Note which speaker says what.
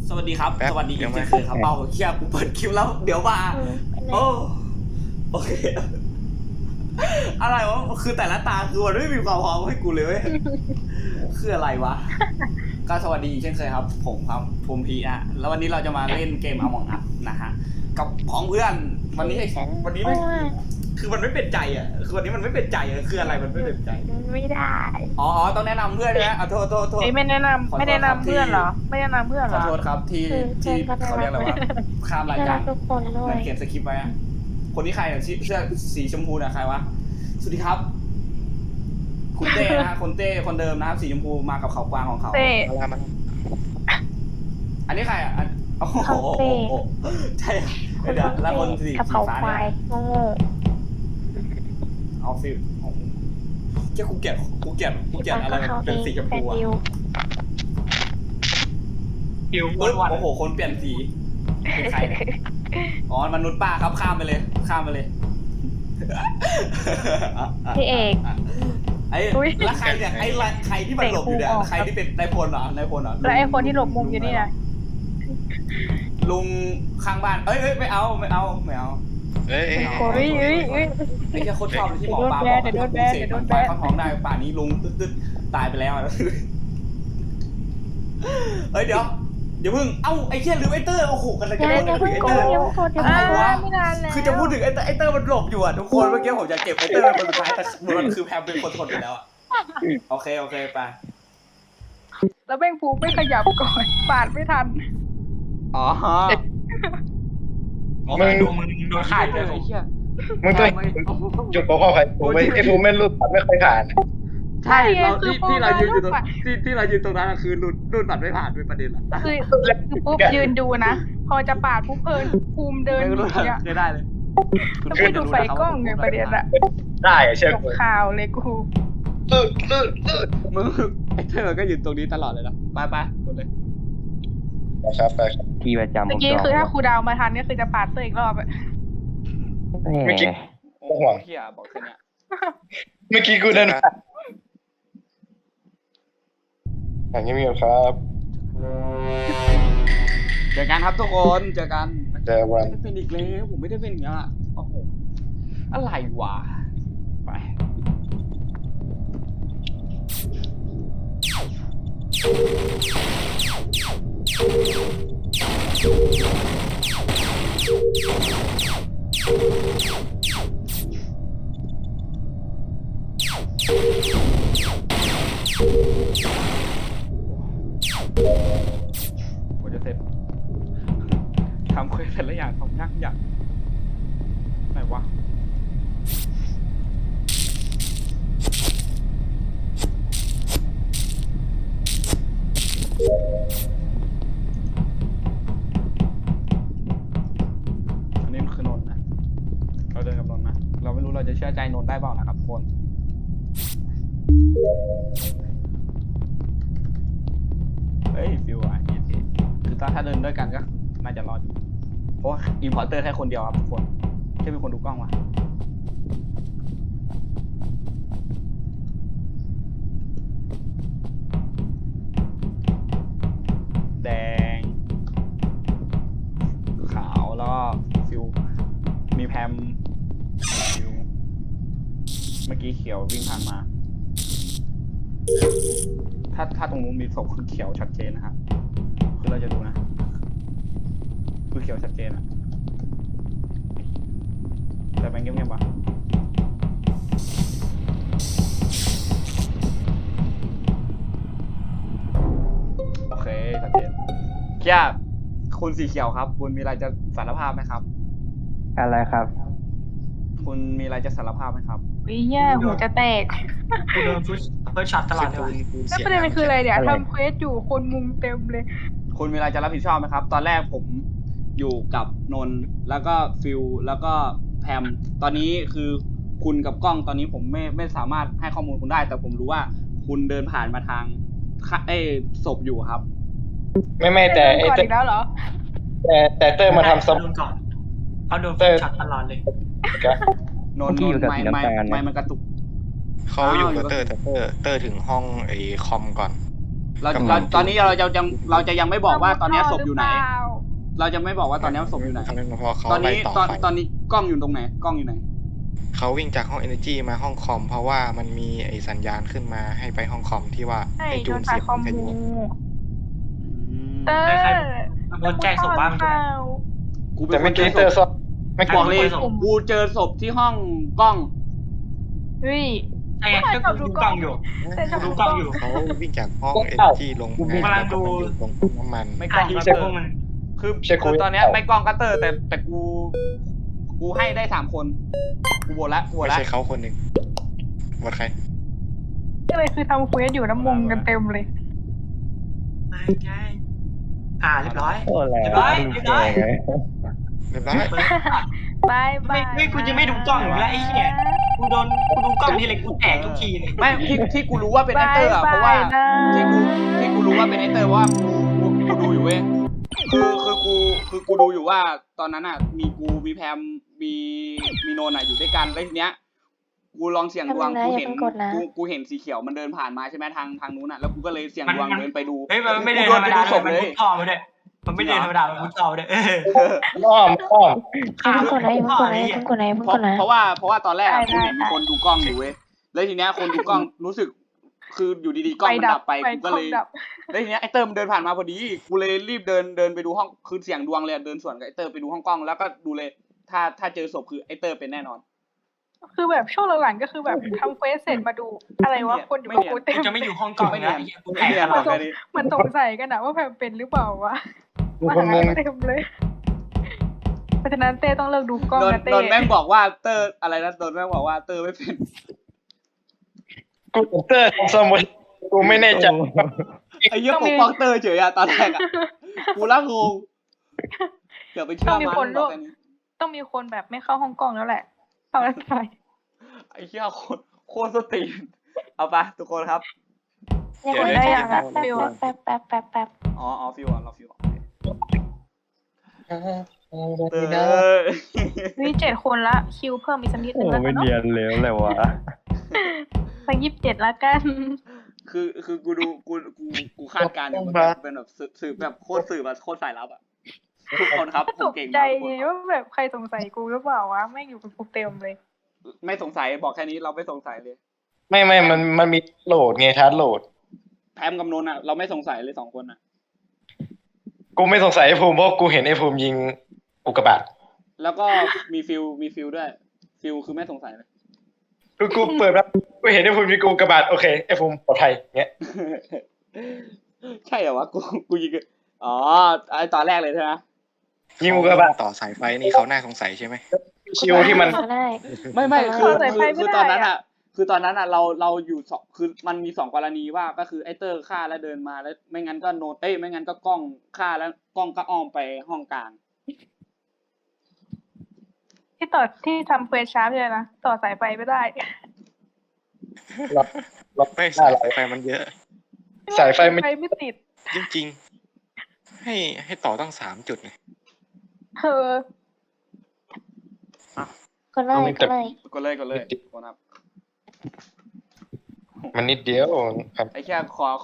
Speaker 1: สวัสดีครับ
Speaker 2: แป๊บ
Speaker 1: สวัสดีอี
Speaker 2: ยั
Speaker 1: ก
Speaker 2: งไม่
Speaker 1: เช่นเคยครับเป้าเชียกูเปิดคลิปแล้วเดี๋ยวมาโอ้โอเคอะไรวะคือแต่ละตาคือมันไม่มีความพร้อมให้กูเลยเว้ยคืออะไรวะก็สวัสดีอีกเช่นเคยครับผมครับภูมิพีอะแล้ววันนี้เราจะมาเล่นเกม Among Us นะฮะกับพ้องเพื่อนวันนี้ไม่คือมันไม่เป็นใจอ่ะคือวันนี้มันไม่เป็นใจอ่ะคืออะไรมันไม่เป็นใจ
Speaker 3: ไม่ได้
Speaker 1: อ๋อต้องแนะนำเพื่อนใช่ไหมโทษ
Speaker 3: ไม่แนะนำ
Speaker 1: ขอโทษ
Speaker 3: ไม่แนะ
Speaker 1: ครับ
Speaker 3: นำเพื่อนเหรอ ไม่แนะนำเพื่อนเห
Speaker 1: ข
Speaker 3: ร
Speaker 1: อ
Speaker 3: อ
Speaker 1: โทษครับที่เขาเรียกอะไรวะข้ามรายการ
Speaker 4: ทุกคนด้ว
Speaker 1: มั
Speaker 4: ย
Speaker 1: นเขียนสคริปต์ไว้อะคนที่ใครอะเสื้อสีชมพูน่ะใครวะสวัสดีครับ คุณเต้นะฮะคนเต้คนเดิมนะครับสีชมพูมากับเขากวางของเขา
Speaker 3: เต้
Speaker 2: มามา
Speaker 1: อันนี้ใครอ่ะโอ้โหใช่เดี๋ยวแล้วคนสี
Speaker 4: กับเขา
Speaker 1: ฟ้า
Speaker 4: ควา
Speaker 1: เนี่ย
Speaker 4: ยโง่
Speaker 1: เอาสิเจ้ากูเกลียดอะไรมันเป็นสีชม
Speaker 4: แฟ
Speaker 1: พู
Speaker 4: น
Speaker 1: อ่ะ
Speaker 4: ดิว
Speaker 5: คิว
Speaker 1: ปึ๊บ
Speaker 5: วัน
Speaker 1: โอ้โหคนเปลี่ยนสีเป็นใครเนี่ยอ๋อมนุษย์ป้าครับข้ามไปเลย
Speaker 4: พี่เอก
Speaker 1: ไอ้แล้วใครเนี่ยใครที่มันหลบอยู่เนี่ยใครที่เป็นนายพลเหรอ
Speaker 3: แล้วไอ้คนที่หลบมุมอยู่นี่นะ
Speaker 1: ลุงข้างบ้านเอ้ยไม่เอา
Speaker 2: เอ้ย
Speaker 3: โอ้ยเอ้ย
Speaker 1: ไอ้เจ้าโคตรชอบเลยที่หมอปลาบอกว่าลุงเสกมันไฟเข้าท้องได้ป่านนี้ลุงตึ๊ดตายไปแล้วเฮ้ยเดี๋ยวเพิ่งเอ้าไอ้เชี่ยลืมไอ้เตอร์โอ้โหกันเลยจะพูดถึงไอ้เตอร์ อะไรวะ
Speaker 3: ไม่นานแล้ว
Speaker 1: คือจะพูดถึงไอ้เตอร์มันหลบอยู่อ่ะทุกคนเมื่อกี้ผมจะเก็บไอ้เตอร์เป็นคนสุดท้ายแต่มันคือแพมเป็นคนทนไปแล้วอ่ะโอเคไป
Speaker 3: แล้วแม่งฟูไม่ขยับก่อนปาดไม่ทัน
Speaker 1: อ๋อ
Speaker 5: มึงดูมึงโดนข่ายเลย
Speaker 1: ไอ้เหี้ย
Speaker 2: มึงต้องจุดโปรข้อใครผมไม่ไอ้ฟูไม่รู้ตัดไม่เคยผ่าน
Speaker 1: ใช่เราที่เรายืนอยู่ตรงที่เรายืนตรงนั้นคือรุ่นบัตรไม่ผ่านเป็นประเด็นละ
Speaker 3: คือปุ๊บยืนดูนะ พอจะปาดปุ๊บภูมิเดิน
Speaker 1: ไม่
Speaker 3: หนี
Speaker 1: รู้
Speaker 3: อ่ะ
Speaker 1: ไม่ได้เลย
Speaker 3: แล้วไม่ดูไฟกล้องไงประเด็นอะ
Speaker 2: ได้เชื่อ
Speaker 3: ต
Speaker 2: กู
Speaker 3: กข่าวเลยกู
Speaker 1: มึงไอ้เธอก็ยืนตรงนี้ตลอดเลยนะไปกดเลย
Speaker 2: นะครับไปครับ
Speaker 6: ที่ประจำ
Speaker 3: เมื่อกี้คือถ้าครูดาวมาทันก็คือจะปาดเตอร์อีกรอบอะ
Speaker 2: เมื่อกี้ไม่ห่วง
Speaker 1: เฮียบอกแค่เนี้ย
Speaker 2: เมื่อกี้กูเดินผ่านอย่างนี้มีครับ
Speaker 1: เจอกันครับทุกคนเจอกัน
Speaker 2: เจอวัน
Speaker 1: ไม่ได้เป็นอีกแล้วผมไม่ได้เป็นอย่างนี้อ่ะโอ้โหอะไรวะไปผมจะเสร็จทำเควสแต่ละอย่างทำยากอย่างไหนวะอันนี้มันคือนนท์นะเราเดินกับนนท์นะเราไม่รู้เราจะเชื่อใจนนท์ได้เปล่านะครับทุกคนเฮ้ยฟิวอ่ะคือถ้าเดินด้วยกันก็น่าจะรอดอยู่เพราะว่าอินพอร์เตอร์แค่คนเดียวครับทุกคนแค่มีคนดูกล้องวะแดงขาวแล้วก็ฟิวมีแพมฟิวเมื่อกี้เขียววิ่งผ่านมา ถ้าตรงนู้นมีศพคือเขียวชัดเจนนะครับคือเราจะดูนะคือเขียวชัดเจนอะแต่มันเงียบๆปะโอเคชัดเจนเคียคุณสีเขียวครับ คุณมีอะไรจะสารภาพไหมครับ
Speaker 6: อะไรครับ
Speaker 1: คุณมีอะไรจะสารภาพไหมครับ
Speaker 3: วิเหี้ยหูจะแตก
Speaker 5: กูโดนเฟิร์สช็อตตลอดเลยว่ะ
Speaker 3: แล้วประเด็นมันคืออะไรเนี่ยทำเควสอยู่คนมุงเต็มเลย
Speaker 1: คุณมีอะไรจะรับผิดชอบไหมครับ ตอนแรกผมอยู่กับนนท์แล้วก็ฟิลแล้วก็แพมตอนนี้คือคุณกับกล้องตอนนี้ผมไม่สามารถให้ข้อมูลคุณได้ แต่ผมรู้ว่าคุณเดินผ่านมาทางศพอยู่ครับ
Speaker 2: ไม่แต่ไอ้
Speaker 3: ก่อน
Speaker 2: เตอ
Speaker 3: อีกแล้วเหรอ
Speaker 2: แต่เตอร์มาทำซับ
Speaker 5: โดนก่อนเขาโดนเฟิร์สช็อตตลอดเลย
Speaker 1: นนท์
Speaker 6: ที่อยู่กับสีน้ำตาล
Speaker 1: ไม่มันกระตุก
Speaker 2: เขาอยู่กับเตอร์ถึงห้องไอ้คอมก่อน
Speaker 1: ตอนนี้เราจะยังไม่บอกว่าตอนนี้ศพอยู่ไหน เราจะไม่บอกว่าตอนนี้ศพอยู่ไหน
Speaker 6: พอเขา
Speaker 1: ตอน
Speaker 6: ไป
Speaker 1: นี้
Speaker 6: ต่อ
Speaker 1: ตอน
Speaker 6: ไฟ
Speaker 1: นี้กล้องอยู่ตรงไหนกล้องอยู่ไหน
Speaker 6: เขาวิ่งจากห้อง Energy มาห้องคอม เพราะว่ามันมีไอสัญญาณขึ้นมาให้ไปห้องคอมที่ว่า
Speaker 3: ใช่
Speaker 6: ให้
Speaker 3: โด
Speaker 6: จู
Speaker 3: น
Speaker 6: น
Speaker 3: สา
Speaker 6: เสี
Speaker 3: ย
Speaker 6: ยง
Speaker 3: คอม
Speaker 6: วิท
Speaker 3: มู
Speaker 6: ยุ
Speaker 3: เตอร์
Speaker 5: โดนแจ้งศพบ้าง
Speaker 3: ข้าว
Speaker 1: กูเป็
Speaker 2: แต่
Speaker 1: นค
Speaker 2: เมื่อน
Speaker 1: เจ
Speaker 2: กี้
Speaker 1: อ
Speaker 2: เจอ
Speaker 1: ศ
Speaker 2: ศ
Speaker 1: พ
Speaker 2: พไม่
Speaker 1: บอกเลย
Speaker 5: ศพ
Speaker 1: กูเจอศพที่ห้องกล้อง
Speaker 3: เฮ้ย
Speaker 5: ใช่ไงก็กูดูกล้องอยู่
Speaker 3: แต่ชอบ
Speaker 5: ดูกล้องอยู่
Speaker 6: เขาวิ่งจากห้อง Energy ลงมา
Speaker 5: กำลังดู
Speaker 6: แล้วก็มาอยู่ตรงน้ำมัน
Speaker 1: ไม่กล้อง
Speaker 5: ดู
Speaker 1: ก็
Speaker 5: เช็
Speaker 1: เต
Speaker 5: ค
Speaker 1: อ
Speaker 5: พวก
Speaker 1: ร์
Speaker 5: มัน
Speaker 1: คือตอนเนี้ยไม่กล้องก็เตอร์แต่กูให้ได้3 คนกูโหวตละ
Speaker 6: ไม่ใช่เขาคนหนึ่งหมดใคร
Speaker 3: ก็เลยคือทำเควสอยู่น้ำมงกันเต็มเลย
Speaker 5: ไม่ใช่เรียบร้อย
Speaker 7: โอ้แล้ว
Speaker 5: เรียบร้อย
Speaker 7: ดูแก่ไง
Speaker 6: เรียบร้อย
Speaker 3: บายบาย
Speaker 5: ไม่กูจะไม่ดูกล้องอยู่แล้วไอ้เหี้ยกูดูกล้องทีไรกูแตกทุกทีเลย
Speaker 1: ไม่ที่กูรู้ว่าเป็นไอเตอร์อ่ะเพราะว่าที่กูรู้ว่าเป็นไอเตอร์เพราะว่ากูดูอยู่เว้ยคือกูดูอยู่ว่าตอนนั้นอ่ะมีกูมีแพมมีโนนอ่ะอยู่ด้วยกันแล้วทีเนี้ยกูลองเสี่ยงดวงกูเห็นกูเห็นสีเขียวมันเดินผ่านมาใช่ไหมทางนู้นอ่ะแล้วกูก็เลยเสี่ยงดวงเดินไปดู
Speaker 5: เฮ้ยมันไม่เดิน
Speaker 1: กู
Speaker 5: ธรรม
Speaker 1: ไป
Speaker 5: ดา
Speaker 1: ดูศพ
Speaker 5: มัน
Speaker 1: เลย
Speaker 5: มุดท่อมาด้วยมันไม่เดินธรรมดามันมุดท่อมาด้วย
Speaker 2: อ้อม
Speaker 4: อย่าเพิ่งกดนะอย่าเพิ่งกดนะอย่าเพิ่งกดนะอย่าเพิ่งกดนะ
Speaker 1: เพราะว่าตอนแรกอะกูเห็นมีคนดูกล้องอยู่เว้ยแล้วทีเนี้ยคนดูกล้องรู้สึกคืออยู่ดีๆกล้องมันดับไปกูก็เลย แล้วทีเนี้ยไอเตอร์มันเดินผ่านมาพอดีกูเลยรีบเดินไปดูห้องคือเสียงดวงเลยเดินสวนกับไอเตอร์ไปดูห้องกล้องแล้วก็ดูเลยถ้าเจอศพคือไอเตอร์เป็นแน่นอน
Speaker 3: คือแบบช่วงหลังๆก็คือแบบทำเควสเสร็จมาดูอะไรวะคนอยู่กับกูเต็
Speaker 5: กู
Speaker 3: ม
Speaker 5: จะไม่อยู่ห้องกล้องนะกูแต
Speaker 1: ไม่
Speaker 5: ก
Speaker 1: เนียน
Speaker 5: ต
Speaker 1: ห
Speaker 5: ล
Speaker 1: ร
Speaker 5: อ
Speaker 1: อ
Speaker 5: ด
Speaker 1: กแค่นี้
Speaker 3: มันสงสัยกันนะว่าแพมเป็นหรือเปล่าวะ
Speaker 2: กู
Speaker 3: มา
Speaker 2: คนนึ
Speaker 3: หาง เต็มเลยเพราะฉะนั้นเต้ต้องเลิกดูกล้องนะเต้
Speaker 1: โดนแม่งบอกว่าเตอร์อะไรนะโดนแม่งบอกว่าเตอร์ไม่เป็น
Speaker 2: กูเตอร์สมุดกูไม่แน่ใจ
Speaker 1: ไอ้เหี้ยปกป้องเตอร์เฉยอะตอนแรกอะกูละงงอย่าไปเชื่อมันบอกแค่นี้
Speaker 3: ต้องมีคนแบบไม่เข้าห้องกล้องแล้วแหละเอาแล้วไป
Speaker 1: ไอ้เหี้ยโคตรสตรีนเอาไปทุกคนครับ
Speaker 4: อย่าเพิ่งได้อย่างละแป๊บ
Speaker 1: อ๋อฟิวอ่ะเราฟิวเตอร์
Speaker 3: นี่7 คนละคิวเพิ่มอีกสักนิดนึ
Speaker 7: โอ้
Speaker 3: งแล้วกั
Speaker 7: ไม่
Speaker 3: นเนาะ
Speaker 7: เนียนเลยแหละวะ
Speaker 3: ไป27ละกัน
Speaker 1: คือกูคาดการณ์อยู่มันเป็นแบบสืบแบบโคตรสืบแบบโคตรสายลับอ่ะทุกคนครับผ
Speaker 3: ต
Speaker 1: ม
Speaker 3: ก
Speaker 1: เก่ง
Speaker 3: ใจ
Speaker 1: มากทุก
Speaker 3: ไง
Speaker 1: คนครับ
Speaker 3: ว่าแบบใครสงสัยกูหรือเปล่าวะแม่งอยู่กับกูเต็มเลย
Speaker 1: ไม่สงสัยบอกแค่นี้เราไม่สงสัยเลย
Speaker 2: ไม่มันมีโหลดไงทัดโหลด
Speaker 1: แพมกับนนท์อ่ะเราไม่สงสัยเลย2 คนอ่ะ
Speaker 2: กูไม่สงสัยไอ้ภูมิเพราะกูเห็นไอ้ภูมิยิงอุกกาบาต
Speaker 1: แล้วก็มีฟิลด้วยฟิลคือไม่สงสัยเลย
Speaker 2: คือกูเปิดแล้วกูเห็นไอ้ภูมิยิงอุกกาบาตโอเคไอ้ภูมิปลอดภัยเงี้ย
Speaker 1: ใช่เหรอวะกูยิงอ๋อไอตอนแรกเลยใช่ไหม
Speaker 2: ยิงอุกกาบาต
Speaker 6: ต่อสายไฟนี่เขาน่าสงสัยใช่ไหม
Speaker 2: คิวที่มัน
Speaker 4: ก็ได้
Speaker 1: ไม่คือ
Speaker 3: สายไฟไม่
Speaker 1: คือ
Speaker 3: ได้
Speaker 1: ตอนนั้น
Speaker 3: อะ
Speaker 1: อ่ะคือตอนนั้นอ่ะเราอยู่คือมันมี2 กรณีว่าก็คือไอเตอร์ฆ่าแล้วเดินมาแล้วไม่งั้นก็โนตไม่งั้นก็กล้องฆ่าแล้วกล้องก็อ้อมไปห้องกลาง
Speaker 3: ที่ทำเควสชาร์ปเลยนะต่อสายไฟไม่ได้
Speaker 2: ล็อก
Speaker 6: ไม่
Speaker 2: ได้
Speaker 6: สาย
Speaker 2: หรอ
Speaker 6: ไฟมันเยอะ
Speaker 2: สายไฟมัน
Speaker 3: ไม่ติด
Speaker 6: จริงๆ ให้ต่อตั้ง3 จุดไง
Speaker 3: เออ
Speaker 4: ก็เลยก็เลย
Speaker 1: ก็เลยคนครับ
Speaker 2: มันนิดเดียวครับ
Speaker 1: ไอ้แค่ขอ